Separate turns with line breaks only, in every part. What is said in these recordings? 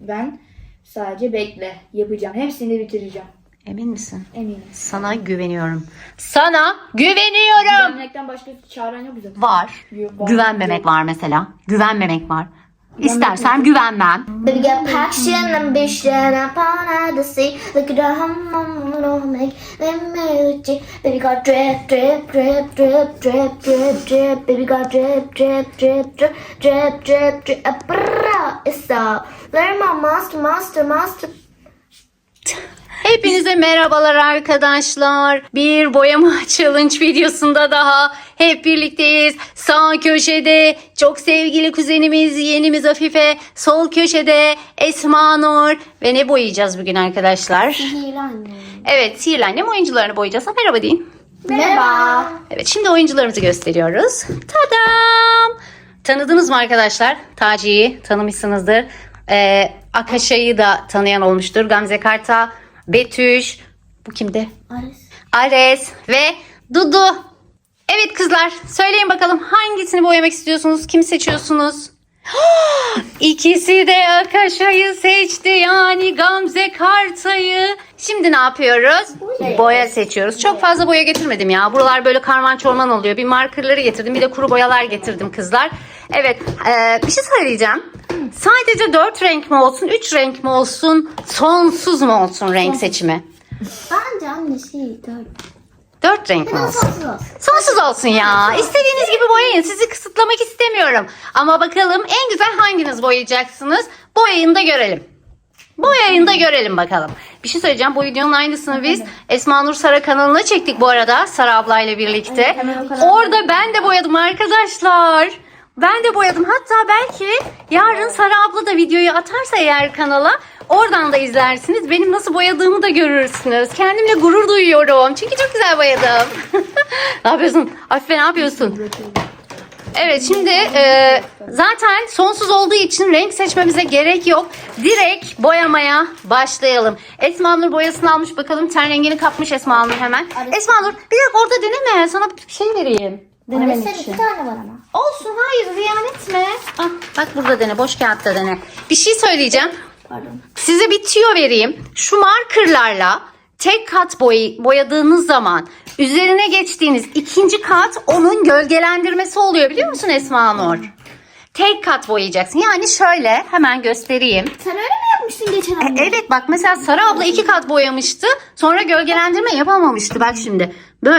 Ben sadece bekle. Yapacağım. Hepsini bitireceğim.
Emin misin?
Eminim.
Sana güveniyorum. Sana güveniyorum.
Güvenmekten başka çaren yok zaten.
Var.
Yok,
Güvenmemek var mesela. Güvenmemek var. İstersem güvenmem.
Baby got passion, ambition, upon the sea. Look at the hum, make me. Baby got drip, drip, drip, drip, drip, drip, drip. Baby got drip, drip, drip, drip, drip, drip, drip. It's all. Learn my master, master, master.
Hepinize merhabalar arkadaşlar. Bir boyama challenge videosunda daha hep birlikteyiz. Sağ köşede çok sevgili kuzenimiz, yeğenimiz Afife. Sol köşede Esma Nur. Ve ne boyayacağız bugün arkadaşlar?
Sihirli anne.
Evet, Sihirli Annem oyuncularını boyayacağız. Merhaba deyin.
Merhaba.
Evet, şimdi oyuncularımızı gösteriyoruz. Tadam! Tanıdınız mı arkadaşlar? Taci'yi tanımışsınızdır. Akaşa'yı da tanıyan olmuştur. Gamze Karta, Betüş, bu kimdi? Ares ve Dudu. Evet kızlar, söyleyin bakalım hangisini boyamak istiyorsunuz? Kimi seçiyorsunuz? İkisi de Akaşa'yı seçti, yani Gamze Karta'yı. Şimdi ne yapıyoruz? Boya seçiyoruz. Çok fazla boya getirmedim ya. Buralar böyle karman çorman oluyor. Bir markerları getirdim, bir de kuru boyalar getirdim kızlar. Evet, bir şey söyleyeceğim. Sadece 4 renk mi olsun, 3 renk mi olsun, sonsuz mu olsun renk seçimi?
Bence anne
4 renk mi olsun?
sonsuz olsun.
Sonsuz olsun ya. İstediğiniz gibi boyayın. Sizi kısıtlamak istemiyorum. Ama bakalım en güzel hanginiz boyayacaksınız? Boyayın da görelim. Boyayın da görelim bakalım. Bir şey söyleyeceğim. Bu videonun aynısını biz Esma Nur Sara kanalına çektik bu arada. Sara ablayla birlikte.
Evet, hemen o kanalda.
Orada ben de boyadım arkadaşlar. Ben de boyadım. Hatta belki yarın Sara abla da videoyu atarsa eğer kanala, oradan da izlersiniz. Benim nasıl boyadığımı da görürsünüz. Kendimle gurur duyuyorum. Çünkü çok güzel boyadım. Ne yapıyorsun? Afife ne yapıyorsun? Evet, şimdi zaten sonsuz olduğu için renk seçmemize gerek yok. Direkt boyamaya başlayalım. Esma Nur boyasını almış, bakalım ten rengini kapmış Esma Nur hemen. Esma Nur bir dakika orada deneme. Sana bir şey vereyim. Denemen
Sen
için.
2 tane var ama.
Olsun, hayır ziyan etme. Ah, bak burada dene, boş kağıtta dene. Bir şey söyleyeceğim.
Pardon.
Size bir tüyo vereyim. Şu markerlarla tek kat boyadığınız zaman üzerine geçtiğiniz ikinci kat onun gölgelendirmesi oluyor, biliyor musun Esma Nur? Tek kat boyayacaksın. Yani şöyle hemen göstereyim.
Sen öyle mi yapmıştın geçen hafta?
Evet bak, mesela Sara abla 2 kat boyamıştı. Sonra gölgelendirme yapamamıştı. Bak şimdi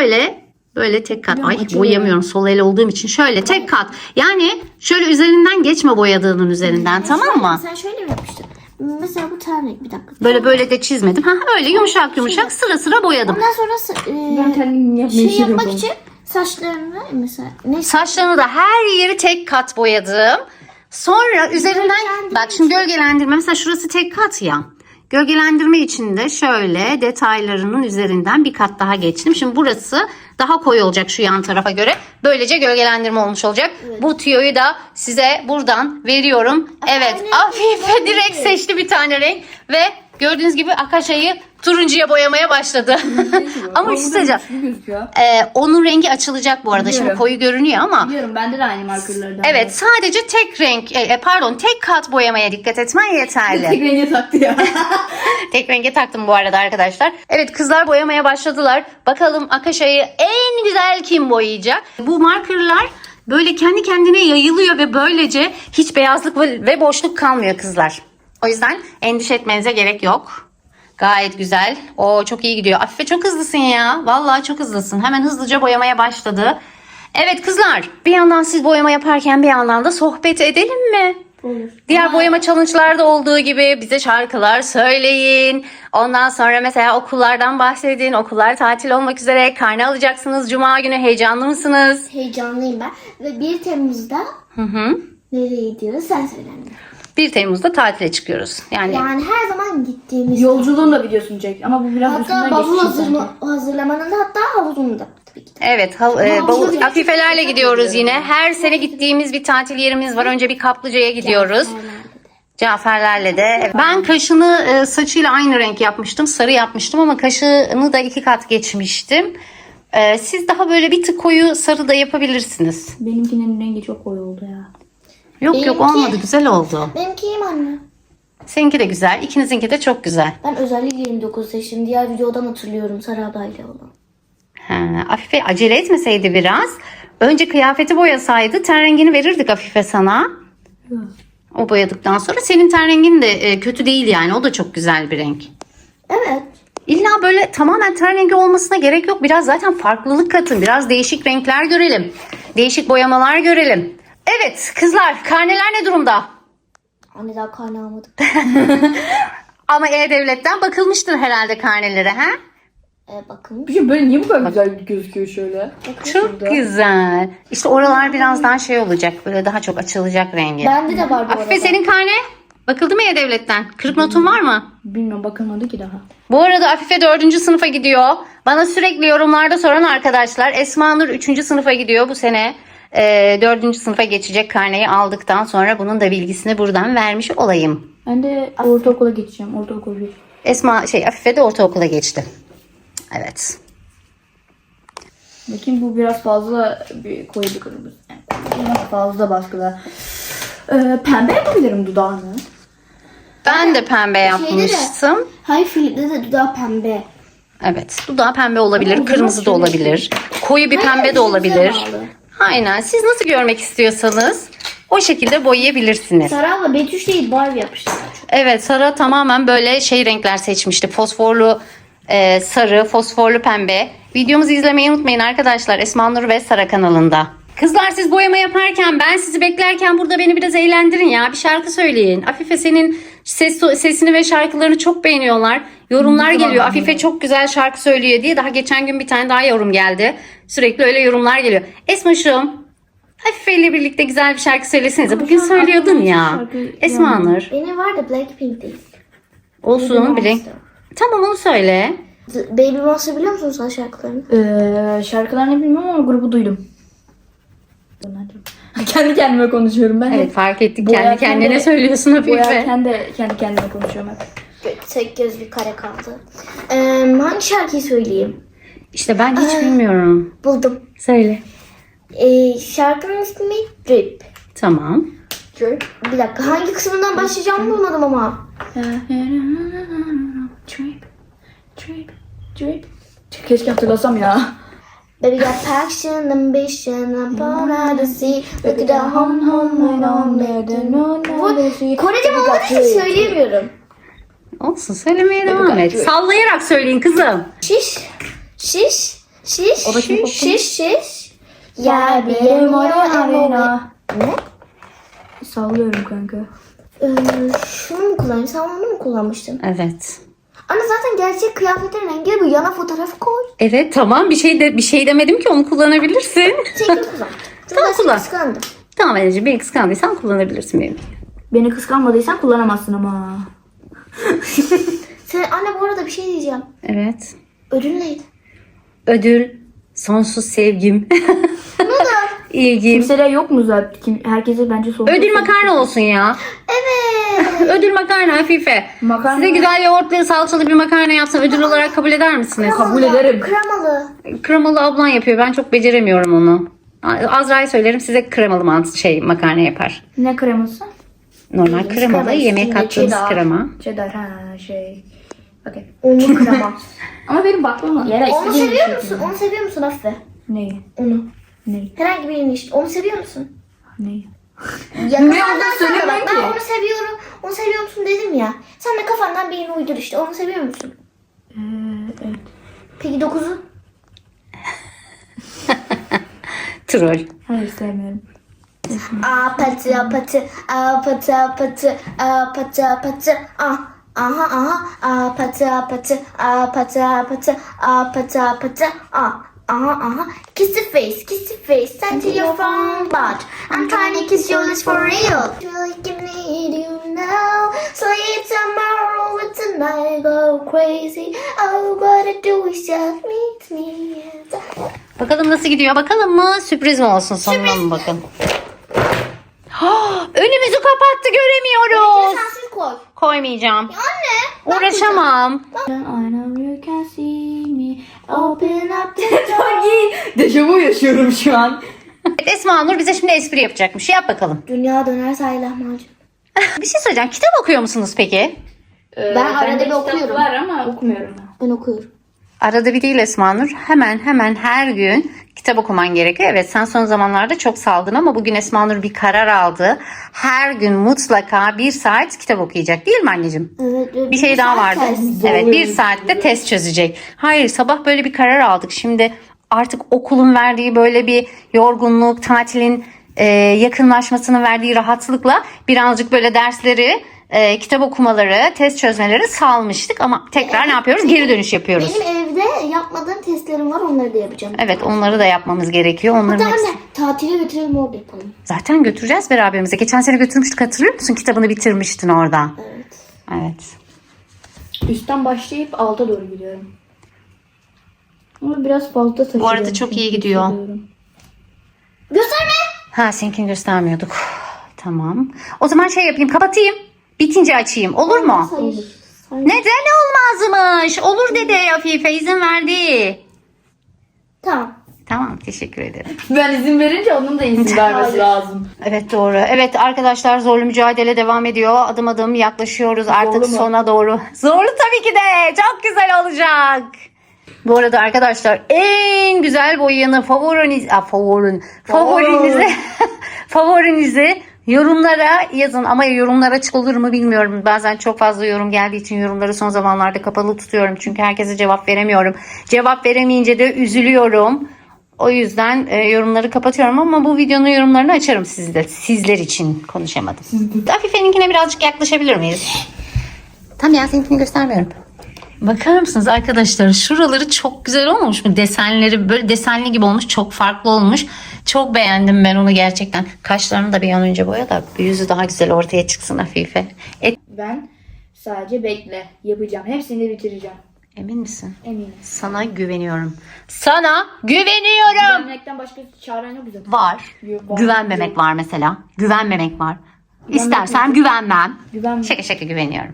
böyle tek kat. Ay boyayamıyorum sol el olduğum için. Şöyle tek kat. Yani şöyle üzerinden geçme boyadığının üzerinden, tamam mı?
Sen şöyle mi yapmıştın? Mesela bu tane bir dakika.
Böyle de çizmedim. Ha, öyle yumuşak sıra sıra boyadım.
Ondan sonra
Ben kendim yapmayı
şey yapmak
seviyorum.
için saçlarını mesela ne
Saçlarını da her yeri tek kat boyadım. Sonra üzerinden
Gölgelendirme
bak şimdi gölgelendirme, mesela şurası tek kat ya. Gölgelendirme için de şöyle detaylarının üzerinden bir kat daha geçtim. Şimdi burası daha koyu olacak şu yan tarafa göre. Böylece gölgelendirme olmuş olacak.
Evet.
Bu tüyoyu da size buradan veriyorum. Evet, Afife direkt seçti bir tane renk ve gördüğünüz gibi Akaşa'yı turuncuya boyamaya başladı. Ama bir şey söyleyeceğim.
Gözüküyor.
Onun rengi açılacak bu arada. Şimdi
Biliyorum.
koyu görünüyor ama.
Biliyorum, bende de aynı markerlardan.
Evet, sadece tek renk, tek kat boyamaya dikkat etmen yeterli.
Tek renge taktı ya.
Tek renge taktım bu arada arkadaşlar. Evet, kızlar boyamaya başladılar. Bakalım Akaşa'yı en güzel kim boyayacak? Bu markerlar böyle kendi kendine yayılıyor ve böylece hiç beyazlık ve boşluk kalmıyor kızlar. O yüzden endişe etmenize gerek yok. Gayet güzel. O çok iyi gidiyor. Afife çok hızlısın ya. Vallahi çok hızlısın. Hemen hızlıca boyamaya başladı. Evet kızlar, bir yandan siz boyama yaparken bir yandan da sohbet edelim mi?
Olur.
Diğer boyama challenge'larda olduğu gibi bize şarkılar söyleyin. Ondan sonra mesela okullardan bahsedin. Okullar tatil olmak üzere. Karne alacaksınız Cuma günü. Heyecanlı mısınız?
heyecanlıyım ben. Ve 1 Temmuz'da nereye gidiyoruz sen söyle anne.
1 Temmuz'da tatile çıkıyoruz. Yani
Yani her zaman gittiğimiz.
Yolculuğun da videosunu çek ama bu biraz
Hatta
üstünden
bavul
geçti.
hazırlamanın da hatta havuzunu da tabii ki de.
evet, Afifelerle gidiyoruz yine. Her sene gittiğimiz bir tatil yerimiz var. Önce bir Kaplıca'ya gidiyoruz. Caferlerle de. Ben kaşını saçıyla aynı renk yapmıştım. Sarı yapmıştım ama kaşını da 2 kat geçmiştim. Siz daha böyle bir tık koyu sarı da yapabilirsiniz.
Benimkinin rengi çok koyu oldu ya.
Yok
Benimki-
olmadı, güzel oldu.
Benimki iyiyim anne.
Seninki de güzel. İkinizinki de çok güzel.
Ben özellikle 29 seçtim. Diğer videodan hatırlıyorum Sara ablayla olan.
Afife acele etmeseydi biraz. Önce kıyafeti boyasaydı ten rengini verirdik Afife sana. O boyadıktan sonra senin ten rengin de kötü değil yani. O da çok güzel bir renk.
Evet.
İlla böyle tamamen ten rengi olmasına gerek yok. Biraz zaten farklılık katın. Biraz değişik renkler görelim. Değişik boyamalar görelim. Evet kızlar, karneler ne durumda?
Anne daha karne almadık.
Ama E-Devlet'ten bakılmıştır herhalde karnelere, ha?
Bakın.
Bir şey böyle niye bu kadar güzel gözüküyor şöyle?
Çok güzel. İşte oralar birazdan şey olacak. Böyle daha çok açılacak rengi.
Bende de var bu
Afife
arada.
senin karne bakıldı mı E-Devlet'ten? Kırık notun var mı?
Bilmiyorum, bakılmadı ki daha.
Bu arada Afife 4. sınıfa gidiyor. Bana sürekli yorumlarda soran arkadaşlar. Esma Nur 3. sınıfa gidiyor bu sene. 4. sınıfa geçecek, karneyi aldıktan sonra bunun da bilgisini buradan vermiş olayım.
Ben de ortaokula geçeceğim. Ortaokul 1.
Afife de ortaokula geçti. Evet.
Bakayım, bu biraz fazla bir koyu bir kırmızı. Biraz fazla baskıda. Pembe yapabilirim dudağını.
Ben de pembe yapmıştım.
Hayır, Filip'te de dudağı pembe.
Evet. Dudağı pembe olabilir,
Ama
kırmızı da
şöyle
olabilir. Koyu bir pembe de olabilir. Aynen. Siz nasıl görmek istiyorsanız o şekilde boyayabilirsiniz.
Sara abla Betüş değil Barbie yapmışlar.
Evet, Sara tamamen böyle renkler seçmişti. Fosforlu sarı, fosforlu pembe. Videomuzu izlemeyi unutmayın arkadaşlar. Esma Nur ve Sara kanalında. Kızlar siz boyama yaparken, ben sizi beklerken burada beni biraz eğlendirin ya. Bir şarkı söyleyin. Afife senin sesini ve şarkılarını çok beğeniyorlar. Yorumlar geliyor. Afife çok güzel şarkı söylüyor diye. Daha geçen gün bir tane daha yorum geldi. Sürekli öyle yorumlar geliyor. Esmaşım, Afife ile birlikte güzel bir şarkı söylesenize. Bugün söylüyordun ya. Esma Nur.
Benim var da Blackpink değil.
Olsun bilin. Tamam onu söyle.
Baby Monster biliyor musun sen şarkılarını?
Şarkılarını bilmiyorum ama grubu duydum. Kendi kendime konuşuyorum ben.
Evet fark ettik.
Boyarken
Kendi kendine
de-
söylüyorsun Afife.
Boyarken de kendi kendime konuşuyorum hep.
Tek göz bir kare kaldı. Hangi şarkıyı söyleyeyim?
İşte ben hiç bilmiyorum.
Buldum.
Söyle.
Şarkının ismi Drip.
Tamam.
Bir dakika, hangi kısmından başlayacağımı bulmadım ama.
Trip, trip, trip. Keşke hatırlasam ya.
Baby got passion, ambition, I'm born out to see. Look at the home, Korece mi olduğu için söyleyemiyorum.
Olsun söylemeye devam et. Sallayarak söyleyin kızım.
Şiş, şiş, şiş,
O da kim
şiş, şiş. Ya
Benim arena.
Ne?
Sallıyorum kanka.
Şunu mu kullanayım? Sen onu mu kullanmıştın?
Evet.
Ana zaten gerçek kıyafetlerin rengi bu. Yana fotoğrafı koy.
Evet tamam bir şey demedim ki onu kullanabilirsin.
Çekil kullan.
Tamam, kullan.
Kıskandım.
Tamam anneciğim beni kıskandıysan kullanabilirsin benim.
Beni kıskanmadıysan kullanamazsın ama.
Sen anne bu arada bir şey diyeceğim.
Evet.
Ödül neydi?
Ödül sonsuz sevgim. İlgim.
Kimsede yok mu zaten? Herkese bence sorun.
Ödül makarna olsun ya.
Evet.
Ödül makarna Afife.
Makarna-
Size güzel yoğurtlu salçalı bir makarna yapsam ödül olarak kabul eder misiniz?
Kabul ederim.
Kremalı.
Kremalı ablan yapıyor. Ben çok beceremiyorum onu. Azra'ya söylerim size kremalı makarna yapar.
Ne kreması?
Normal kremalı
krema,
yemeğe
üstünde
kattığımız
cheddar.
krema.
Cheddar Okey.
Unlu krema.
Ama benim bakmam yere
Onu seviyor musun? Onu seviyor musun Afife?
Neyi?
Onu.
Neyi?
Herhangi birini işte. Onu seviyor musun?
Neyi?
Yakınlardan
olduğunu
sonra bak
söylemem
ben
ki.
onu seviyorum. Onu seviyor musun dedim ya. Sen de kafandan birini uydur işte. Onu seviyor musun?
Evet.
Peki 9'u?
Troll.
Hayır sevmiyorum.
Apatı apatı apatı apatı apatı apatı aha aha apatı apatı apatı apatı apatı apatı aha aha kiss the face send to your phone but I'm trying to kiss your lips for real really can need you now sleep tomorrow with tonight go crazy all what I do is just meet me
Bakalım nasıl gidiyor? Bakalım mı? Sürpriz mi olsun? Sonuna mı bakalım? Önümüzü kapattı göremiyoruz.
sensiz koy
Koymayacağım.
anne
Uğraşamam.
I know you can see me. Open up the door. Dejavu yaşıyorum şu an.
Evet, Esma Nur bize şimdi espri yapacakmış. Yap bakalım.
Dünya döner sahil lahmacun.
Bir şey söyleyeceğim. Kitap okuyor musunuz peki?
Ben arada
bende
bir
kitap
okuyorum.
var ama okumuyorum ben.
Ben okuyorum.
Arada bir değil Esma Nur. Hemen her gün kitap okuman gerekiyor. Evet, sen son zamanlarda çok saldın ama bugün Esma Nur bir karar aldı. Her gün mutlaka 1 saat kitap okuyacak, değil mi anneciğim?
Evet.
Bir şey daha vardı.
Ters.
Evet, 1 saatte test çözecek. Hayır, sabah böyle bir karar aldık. Şimdi artık okulun verdiği böyle bir yorgunluk, tatilin yakınlaşmasının verdiği rahatlıkla birazcık böyle dersleri, kitap okumaları, test çözmeleri salmıştık. Ama tekrar ne yapıyoruz? Geri dönüş yapıyoruz.
Benim evde yapmadığım testlerim var, onları da yapacağım.
Evet, onları da yapmamız gerekiyor. Onların
Hatta
hepsi...
anne tatile götürelim, orada yapalım.
Zaten götüreceğiz beraberimize. Geçen sene götürmüştük, hatırlıyor musun? Kitabını bitirmiştin orada.
Evet.
Evet.
Üstten başlayıp alta doğru gidiyorum. Ama biraz fazla taşıyorum.
Bu arada çok iyi gidiyor.
Gösterme.
Ha, seninkini göstermiyorduk. Tamam. O zaman şey yapayım, kapatayım. Bitince açayım. Olur mu?
Hayır.
Neden olmazmış? Olur dedi Afife, izin verdi.
Tamam.
Tamam, teşekkür ederim.
Ben izin verince onun da izin vermesi lazım.
Evet, doğru. Evet arkadaşlar, zorlu mücadele devam ediyor. Adım adım yaklaşıyoruz artık
mu?
sona doğru. Zorlu tabii ki de. Çok güzel olacak. Bu arada arkadaşlar, en güzel boyayanı favorinizi yorumlara yazın. Ama yorumlar açık olur mu bilmiyorum. Bazen çok fazla yorum geldiği için yorumları son zamanlarda kapalı tutuyorum. Çünkü herkese cevap veremiyorum. Cevap veremeyince de üzülüyorum. O yüzden yorumları kapatıyorum ama bu videonun yorumlarını açarım sizler için, konuşamadım. Afife'ninkine birazcık yaklaşabilir miyiz? Tamam ya, seninkini göstermiyorum. Bakar mısınız arkadaşlar, şuraları çok güzel olmamış mı? Desenleri böyle desenli gibi olmuş, çok farklı olmuş. Çok beğendim ben onu gerçekten. Kaşlarını da bir an önce boya da yüzü daha güzel ortaya çıksın Afife.
Ben sadece bekle. Yapacağım. Hepsini de bitireceğim.
Emin misin?
Eminim.
Sana güveniyorum. Sana güveniyorum.
Güvenmekten başka çaren yok zaten.
Var.
Var.
Güvenmemek var mesela. Güvenmemek var. İstersen güvenmem.
Güvenme.
Şaka güveniyorum.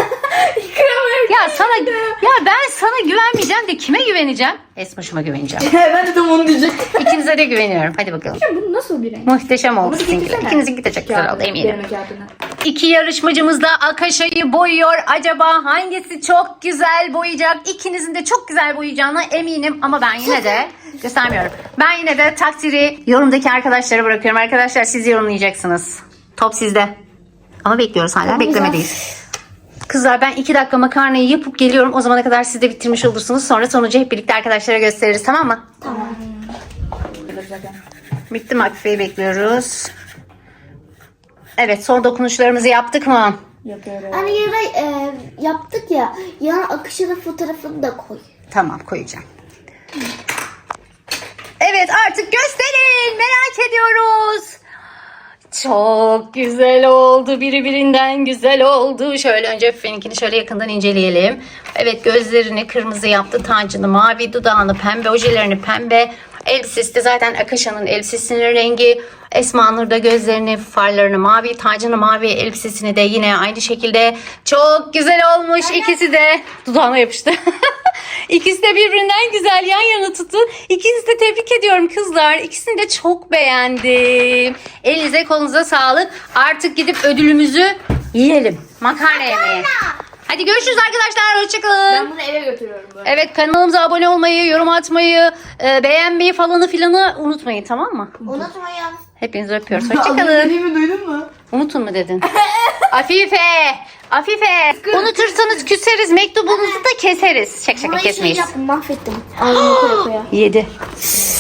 Ben sana güvenmeyeceğim de kime güveneceğim? Esmaşıma güveneceğim.
Ben de tam onu diyecektim.
İkinize de güveniyorum. Hadi bakalım.
Bu nasıl bir renk?
Muhteşem oldu
Bunu
sizinkiler.
getirsene.
İkinizinki de çok güzel oldu
Kağıdına,
eminim.
deneme kağıdına.
İki yarışmacımız da Akaşa'yı boyuyor. Acaba hangisi çok güzel boyayacak? İkinizin de çok güzel boyayacağına eminim. Ama ben yine de göstermiyorum. Ben yine de takdiri yorumdaki arkadaşlara bırakıyorum. Arkadaşlar, siz yorumlayacaksınız. Top sizde. Ama bekliyoruz hala. Beklemedeyiz. Kızlar, ben 2 dakika makarnayı yapıp geliyorum. O zamana kadar siz de bitirmiş olursunuz. Sonra sonucu hep birlikte arkadaşlara gösteririz, tamam mı?
Tamam.
Bitti mi? Afife'yi bekliyoruz. Evet, son dokunuşlarımızı yaptık mı?
Yapıyorum.
Hani yara yaptık ya. Yan akışının fotoğrafını da koy.
Tamam, koyacağım. Evet, artık gösterin. Merak ediyoruz. Çok güzel oldu. Birbirinden güzel oldu. Şöyle önce Efe'ninkini şöyle yakından inceleyelim. Evet, gözlerini kırmızı yaptı. Tacını mavi, dudağını pembe, ojelerini pembe. Elbisesi de zaten Akaşa'nın elbisesinin rengi. Esma Nur da gözlerini, farlarını mavi, tacını mavi, elbisesini de yine aynı şekilde. Çok güzel olmuş. İkisi de dudağına yapıştı. İkisi de birbirinden güzel yan yana tuttu. İkinizi de tebrik ediyorum kızlar. İkisini de çok beğendim. Elinize kolunuza sağlık. Artık gidip ödülümüzü yiyelim. Makarna yemeği. Hadi görüşürüz arkadaşlar. Hoşçakalın.
Ben bunu eve götürüyorum böyle.
Evet, kanalımıza abone olmayı, yorum atmayı, beğenmeyi falanı filanı unutmayın, tamam mı?
Unutmayın.
Hepinizi öpüyoruz. Hoşçakalın.
Dediğimi duydun mu?
Unutun mu dedin? Afife! Unutursanız küseriz, mektubunuzu da keseriz. Şaka
Burayı şey
kesmeyiz.
yaptım, mahvettim. Ağzını koya koya.
7.